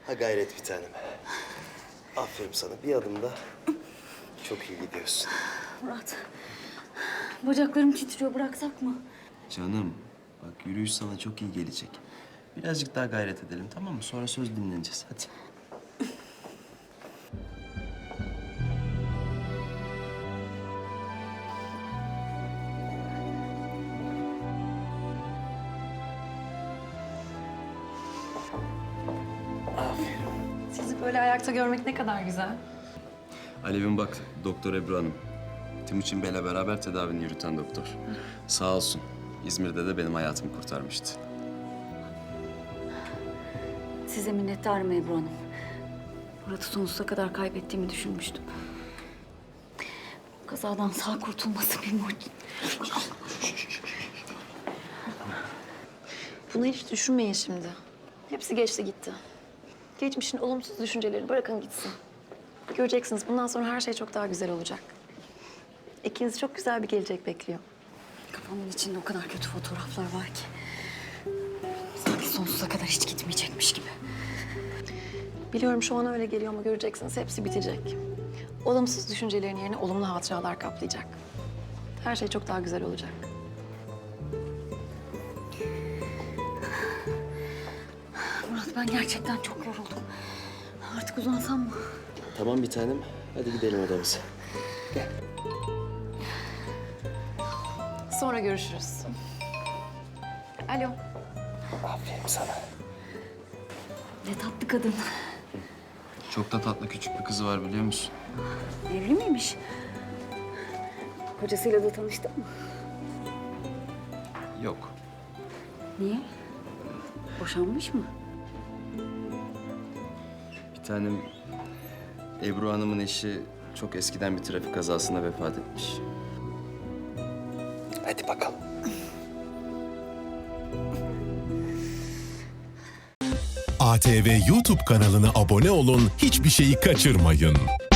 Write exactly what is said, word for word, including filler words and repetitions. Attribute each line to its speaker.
Speaker 1: Ha gayret bir tanem. Aferin sana. Bir adımda çok iyi gidiyorsun.
Speaker 2: Murat, bacaklarım titriyor. Bıraksak mı?
Speaker 1: Canım, bak yürüyüş sana çok iyi gelecek. Birazcık daha gayret edelim, tamam mı? Sonra söz dinleneceğiz. Hadi. Aferin.
Speaker 3: Sizi böyle ayakta görmek ne kadar güzel.
Speaker 1: Alev'in bak, Doktor Ebru Hanım. Timuçin Bey'le beraber tedavini yürüten doktor. Sağ olsun. İzmir'de de benim hayatımı kurtarmıştı.
Speaker 2: Size minnettarım Ebru Hanım. Murat'ı sonsuza kadar kaybettiğimi düşünmüştüm. Kazadan sağ kurtulması bir mucize.
Speaker 3: Bunu hiç düşünmeyin şimdi. Hepsi geçti gitti. Geçmişin olumsuz düşüncelerini bırakın gitsin. Göreceksiniz bundan sonra her şey çok daha güzel olacak. İkinizi çok güzel bir gelecek bekliyor.
Speaker 2: Kafamın içinde o kadar kötü fotoğraflar var ki. Sanki sonsuza kadar hiç gitmeyecekmiş gibi.
Speaker 3: Biliyorum şu an öyle geliyor ama göreceksiniz hepsi bitecek. Olumsuz düşüncelerin yerine olumlu hatıralar kaplayacak. Her şey çok daha güzel olacak.
Speaker 2: Murat, ben gerçekten çok yoruldum. Artık uzansam mı?
Speaker 1: Tamam bir tanem. Hadi gidelim odamıza.
Speaker 3: Sonra görüşürüz. Alo.
Speaker 1: Aferin sana.
Speaker 2: Ne tatlı kadın.
Speaker 1: Çok da tatlı küçük bir kızı var biliyor musun?
Speaker 2: Evli miymiş? Kocasıyla da tanıştın mı?
Speaker 1: Yok.
Speaker 2: Niye? Boşanmış mı?
Speaker 1: Bir tanem Ebru Hanım'ın eşi çok eskiden bir trafik kazasında vefat etmiş. Hadi bakalım.
Speaker 4: A T V YouTube kanalına abone olun, hiçbir şeyi kaçırmayın.